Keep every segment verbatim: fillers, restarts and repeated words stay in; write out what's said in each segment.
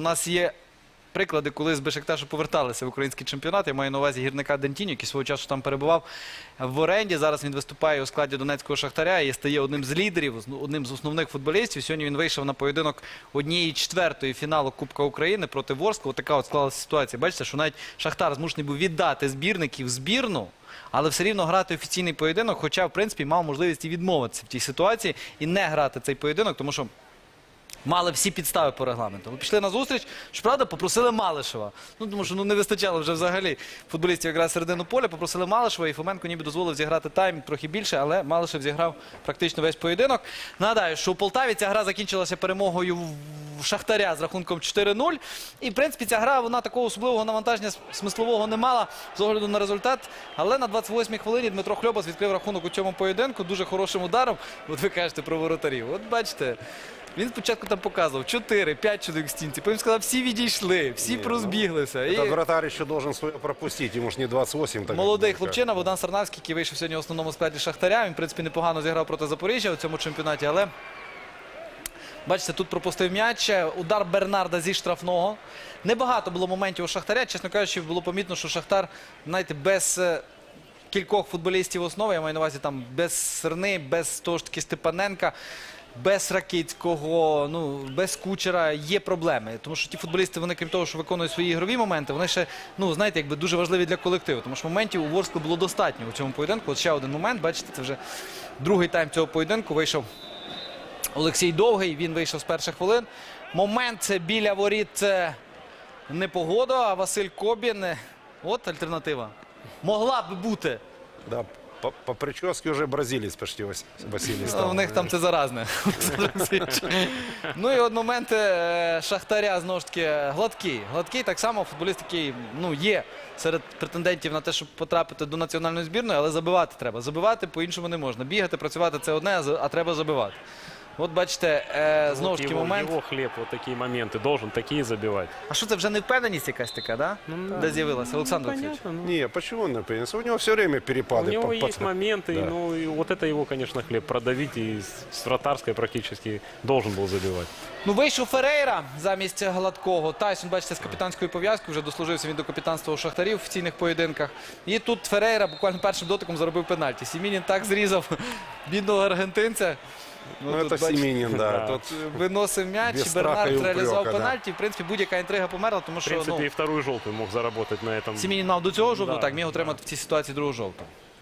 нас є приклади, коли з Бешикташу поверталися в український чемпіонат. Я маю на увазі гірника Дентіньо, який свого часу там перебував в оренді. Зараз він виступає у складі Донецького Шахтаря і стає одним з лідерів, одним з основних футболістів. Сьогодні він вийшов на поєдинок однієї четвертої фіналу Кубка України проти Ворскли. Ось така от склалася ситуація. Бачите, що навіть Шахтар змушений був віддати збірників в збірну, але все рівно грати офіційний поєдинок, хоча, в принципі, мав можливість і відмовитися в тій ситуації і не грати цей поєдинок, тому що мали всі підстави по регламенту. Ми пішли на зустріч, щоправда, попросили Малишева. Ну, тому що ну, не вистачало вже взагалі футболістів якраз середину поля. Попросили Малишева, і Фоменко ніби дозволив зіграти тайм трохи більше, але Малишев зіграв практично весь поєдинок. Нагадаю, що у Полтаві ця гра закінчилася перемогою в Шахтаря з рахунком чотири нуль. І, в принципі, ця гра, вона такого особливого навантаження смислового не мала з огляду на результат. Але на двадцять восьмій хвилині Дмитро Хльобас відкрив рахунок у цьому поєдинку дуже хорошим ударом. От ви кажете про воротарів. От бачите, він спочатку там показував чотири-п'ять чоловік в стінці, потім сказав, всі відійшли, всі розбіглися. Этот і... вратарь ще должен своє пропустити, йому ж не двадцять вісім. Так молодий хлопчина Богдан Сарнавський, який вийшов сьогодні в основному складі Шахтаря. Він, в принципі, непогано зіграв проти Запоріжжя у цьому чемпіонаті, але бачите, тут пропустив м'яч. Удар Бернарда зі штрафного. Небагато було моментів у Шахтаря. Чесно кажучи, було помітно, що Шахтар, знаєте, без кількох футболістів основи, я маю на увазі там без Серни, без того ж таки Степаненка, без Ракицького, ну, без Кучера є проблеми. Тому що ті футболісти, вони, крім того, що виконують свої ігрові моменти, вони ще, ну, знаєте, якби дуже важливі для колективу. Тому що моментів у Ворскли було достатньо у цьому поєдинку. От ще один момент, бачите, це вже другий тайм цього поєдинку. Вийшов Олексій Довгий, він вийшов з перших хвилин. Момент це біля воріт, це не Погода, а Василь Кобін. От альтернатива. Могла б бути. Да, по, по прическе вже бразилець почти Василій став. У них там це заразне. Ну і от момент Шахтаря, знову ж таки, Гладкий. Гладкий так само футболіст, який, ну, є серед претендентів на те, щоб потрапити до національної збірної, але забивати треба. Забивати по-іншому не можна. Бігати, працювати – це одне, а треба забивати. От бачите, е, знову ж таки момент. Його хліб, от такі моменти, должен такі забивати. А що це вже невпевненість якась така, да? Ну, де з'явилася? Олександр Олексійович? Ну, Не, почему не принес? У него все время перепады. у него по- есть по- моменты, Да. ну и вот это его, конечно, хлеб продавить, и с с вратарской практически должен был забивать. Ну, вийшов Ферейра замість Гладкого. Тайсон, бачите, з капітанською пов'язкою, вже дослужився він до капітанства у Шахтарів в офіційних поєдинках. І тут Ферейра буквально першим дотиком заробив пенальті. Сімінін так зрізав бідного аргентинця. Ну, тут, это бачите, Семенин, да. Да. Тут виносив м'яч, Без і страха Бернард і упрека, реалізував да. пенальті. В принципі, будь-яка інтрига померла, тому В що, принципе, ну, и вторую желтую мог заработать на этом. Сімінін мав до цього жовту, Да, так, міг да. отримати в цій ситуації другу жовту.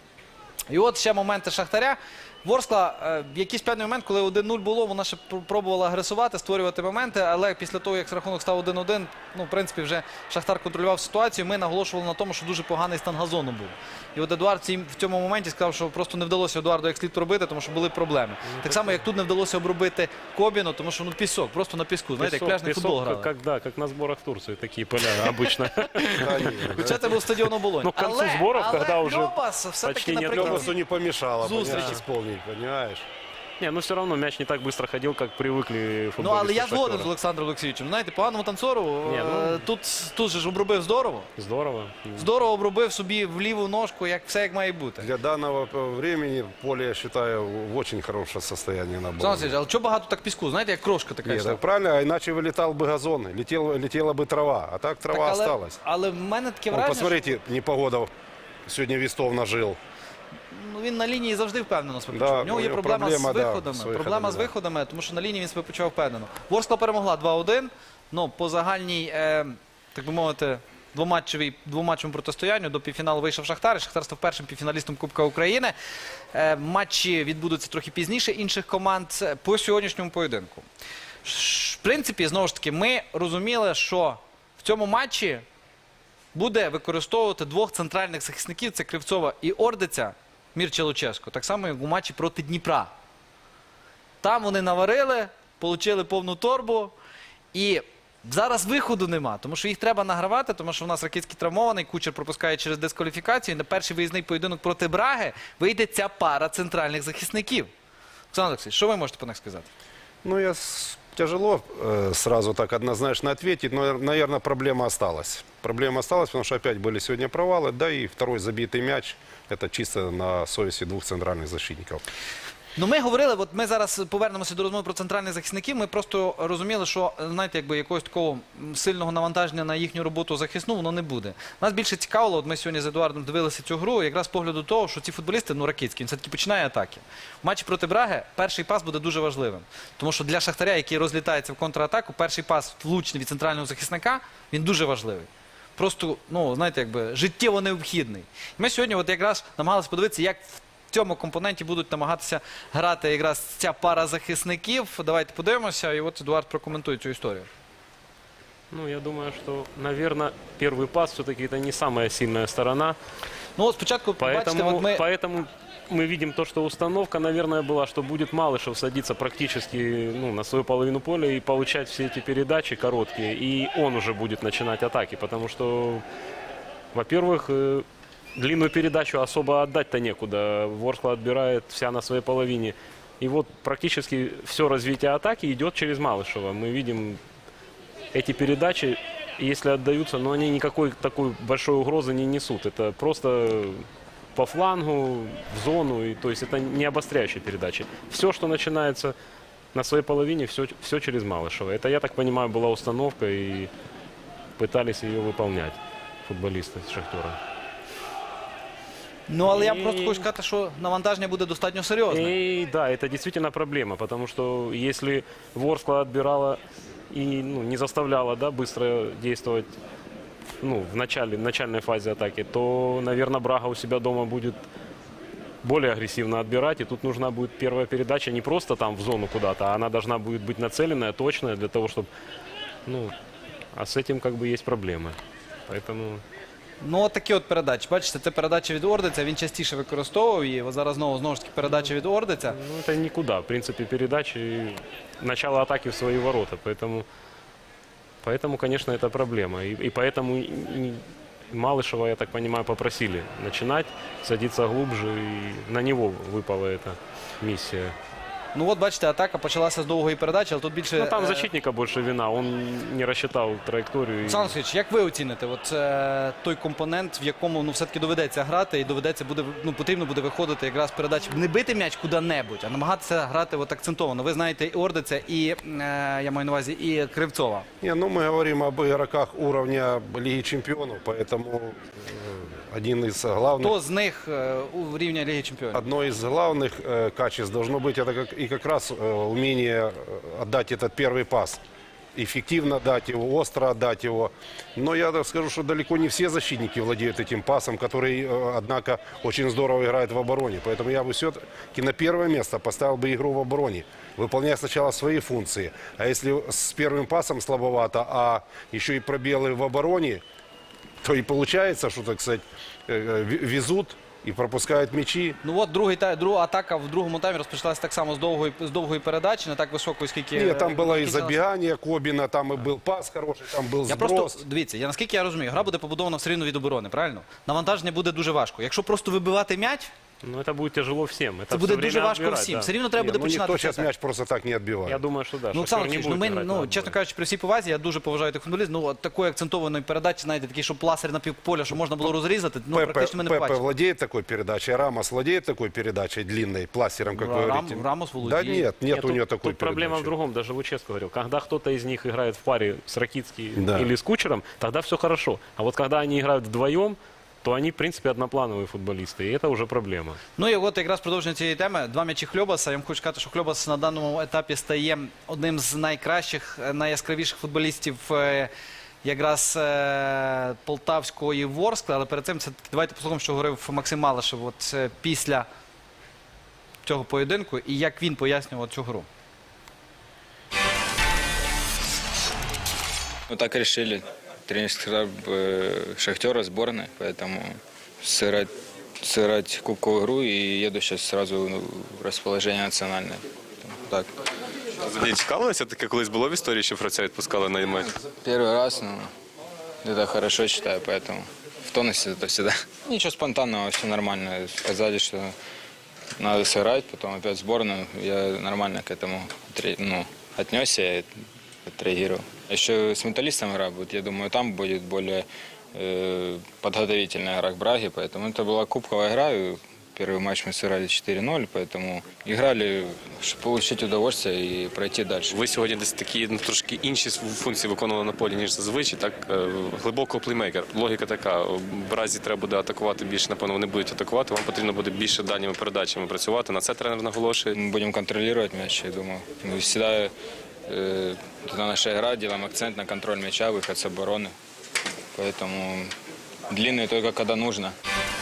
І от ще моменти Шахтаря. Ворскла, е, якийсь певний момент, коли один нуль було, вона ще пр- пробувала агресувати, створювати моменти, але після того, як рахунок став один один, ну, в принципі, вже Шахтар контролював ситуацію. Ми наголошували на тому, що дуже поганий стан газону був. І от Едуард в цій- в цьому моменті сказав, що просто не вдалося Едуарду як слід робити, тому що були проблеми. Так само, як тут не вдалося обробити Кобіну, тому що, ну, пісок, просто на піску, знаєте, як Песок- пляжний футбол песок, грали. как, да, как на сборах в Турции, такие поля обычно. да, не, Хоча це був стадіон Оболонь. Ну, к концу зборів, коли вже Льобас все-таки почти нет наприкінці. Лёбасу не помешало, Зустрічі. понимаешь, исполнить, понимаешь? Не, ну все равно мяч не так быстро ходил, как привыкли футболисты. Ну, але я згоден з Шахтера. Олександром Олексійовичем. Знаєте, поганому танцору Ні, ну- е, тут, тут же ж обробив здорово. Здорово. Здорово обробив собі в ліву ножку, як все як має бути. Для данного времени поле, я считаю, в очень хорошем состоянии на Олександр было. Олексійович, але чого багато так піску? Знаєте, як крошка така. Нет, йшла. так правильно, а иначе вылетал бы газон, летел, летела бы трава, а так трава Так, але, осталась. але в мене таке Вон, враження, посмотрите, непогода сегодня Вестов нажил. що, ну, він на лінії завжди впевнено себе Да, почував. У нього у є нього проблема, проблема, з да, виходами. з виходами, проблема з да. виходами, тому що на лінії він себе почував впевнено. Ворскла перемогла два один. Ну, по загальній, е, так би мовити, двоматчевій, двоматчевому протистоянню до півфіналу вийшов Шахтар. І Шахтар став першим півфіналістом Кубка України. Е, матчі відбудуться трохи пізніше інших команд по сьогоднішньому поєдинку. Ш- В принципі, знову ж таки, ми розуміли, що в цьому матчі буде використовувати двох центральних захисників. Це Кривцова і Ордиця, Мірча Луческо. Так само, як у матчі проти Дніпра. Там вони наварили, отримали повну торбу. І зараз виходу нема, тому що їх треба награвати, тому що в нас Ракицький травмований, Кучер пропускає через дискваліфікацію. І на перший виїзний поєдинок проти Браги вийде ця пара центральних захисників. Олександр Олексійович, що ви можете по них сказати? Ну, я с- тяжело э, сразу так однозначно ответить, но, наверное, проблема осталась. Проблема осталась, потому что опять были сегодня провалы, да и второй забитый мяч, это чисто на совести двух центральных защитников. Ну, ми говорили, от ми зараз повернемося до розмови про центральних захисників. Ми просто розуміли, що, знаєте, якби якогось такого сильного навантаження на їхню роботу захисну, воно не буде. Нас більше цікавило, от ми сьогодні з Едуардом дивилися цю гру, якраз з погляду того, що ці футболісти, ну, Ракицький, він все-таки починає атаки. В матчі проти Браги перший пас буде дуже важливим. Тому що для Шахтаря, який розлітається в контратаку, перший пас влучний від центрального захисника, він дуже важливий. Просто, ну, знаєте, якби життєво необхідний. І ми сьогодні от якраз намагалися подивитися, як в цьому компоненті будуть намагатися грати якраз ця пара захисників. Давайте подивимося, і от Едуард прокоментує цю історію. Ну, я думаю, что, наверное, первый пас все-таки это не самая сильная сторона. Ну, от спочатку, бачите, Поэтому, от ми... поэтому мы видим то, что установка, наверное, была, что будет Малышев садиться практически ну, на свою половину поля и получать все эти передачи короткие. И он уже будет начинать атаки, потому что, во-первых, э, длинную передачу особо отдать-то некуда. Ворскла отбирает вся на своей половине. И вот практически все развитие атаки идет через Малышева. Мы видим эти передачи, если отдаются, но они никакой такой большой угрозы не несут. Это просто по флангу, в зону, и, то есть это не обостряющие передачи. Все, что начинается на своей половине, все, все через Малышева. Это, я так понимаю, была установка, и пытались ее выполнять футболисты с «Шахтера». Ну, але я І- просто хочу сказати, що навантаження буде достатньо серйозне. И да, это действительно проблема, потому что если Ворскла отбирала и ну, не заставляла да, быстро действовать ну, в, начале, в начальной фазе атаки, то, наверное, Брага у себя дома будет более агрессивно отбирать. И тут нужна будет первая передача не просто там в зону куда-то, а она должна будет быть нацеленная, точная, для того, чтобы... Ну, а с этим как бы есть проблемы. Поэтому... Ну, от такі от передачі. Бачите, це передача від Ордиця, він частіше використовував її. От зараз знову, знову ж таки, передача від Ордиця. Ну, это никуда. В принципе, передачи, начало атаки в свои ворота. Поэтому, поэтому конечно, это проблема. И, и поэтому и- и Малышева, я так понимаю, попросили начинать, садиться глубже. И на него выпала эта миссия. Ну, от бачите, атака почалася з довгої передачі, але тут більше... Ну, там е, защитника больше вина. Он не рассчитал траекторию. и- Олександр Олексійович, як ви оціните от, е, той компонент, в якому ну, все-таки доведеться грати і доведеться буде, ну, потрібно буде виходити якраз передачі, не бити м'яч куди-небудь, а намагатися грати от акцентовано. Ви знаєте і Ордиця, і, е, я маю на увазі, і Кривцова. Не, ну мы говорим об игроках уровня Лиги Чемпионов, поэтому э, один из главных... Хто з них е, у рівня Ліги Чемпіонів? Одно из главных э, качеств должно быть это как, и как раз э, умение э, отдать этот первый пас. Эффективно дать его, остро отдать его. Но я так скажу, что далеко не все защитники владеют этим пасом, который, э, однако, очень здорово играет в обороне. Поэтому я бы все-таки на первое место поставил бы игру в обороне, выполняя сначала свои функции. А если с первым пасом слабовато, а еще и пробелы в обороне, то и получается, что, так сказать, э, в- везут и пропускают мячи. Ну от другий, та- друга атака в другому таймі розпочалася так само з довгої, з довгої передачі, не так високої, скільки... Нет, там было и скільки- забегание Кобина, там и был пас хороший, там был Я сброс. просто, дивіться, я наскільки я розумію, гра буде побудована все рівно від оборони, правильно? Навантаження буде дуже важко. Якщо просто вибивати м'яч, Ну, это будет тяжело всем. Это це буде всё дуже время важко отбирать, всім. да. Все рівно треба Не, буде ну починати. никто все сейчас так. мяч просто так не отбивает. Я думаю, что да. Ну, Шахтер Олександр не Олексійович, ну, будет ми, играть на ну, отбор. чесно кажучи, при всій повазі, я дуже поважаю тих футболістів. Ну, от такої акцентованої передачі, знаєте, такий, щоб пласер на півполя, що можна було розрізати, ну, Пепе, практично ми не Пепе побачили. владеет такой передачей, Рамос владеет такой передачей длинной, пластером, как вы Рам- говорите. Рамос Да владеет. нет, нет, Нет, у тут, него такой тут проблема в передачи. другом, даже Луческо говорил. Когда кто-то из них играет в паре с Ракицким Да. или с Кучером, тогда все хорошо. А вот когда они играют вдвоем, то они, в принципе, одноплановые футболисты. И это уже проблема. Ну і от якраз продовження цієї теми. Два м'ячі Хльобаса. Я вам хочу сказати, що Хльобас на даному етапі стає одним з найкращих, е, найяскравіших футболістів е, якраз е, Полтавської Ворскли. Але перед цим це давайте послухаємо, що говорив Максим Малишев от, е, після цього поєдинку і як він пояснював цю гру. Ну так решили. Тренерский штаб э, Шахтера, сборной, поэтому сыграть, сыграть кубковую игру и еду сейчас сразу ну, в расположение национальное. Так. Взагалі цікавилося таке, колись було в історії, що Фраця відпускали на матч? Первый раз, ну, это хорошо считаю, поэтому в тонусе это всегда. Ничего спонтанного, все нормально. Сказали, что надо сыграть, потом опять сборную. Я нормально к этому отре- ну, отнесся и отреагировал. Еще с металлистом игра будет, я думаю, там будет более э, подготовительная игра к Браге, поэтому это была кубковая игра, и Первый матч мы сыграли четыре ноль, поэтому играли, чтобы получить удовольствие и пройти дальше. Ви сьогодні десь такі ну, трошки інші функції виконували на полі, ніж зазвичай. Так, е, глибокого плеймейкера. Логіка така. В разі треба буде атакувати більше, напевно, вони будуть атакувати. Вам потрібно буде більше дальніми передачами працювати. На це тренер наголошує. Мы будем контролировать мяч, я думаю. Мы всегда, э, это наша игра, делаем акцент на контроль мяча, выход с обороны. Поэтому длинные только когда нужно.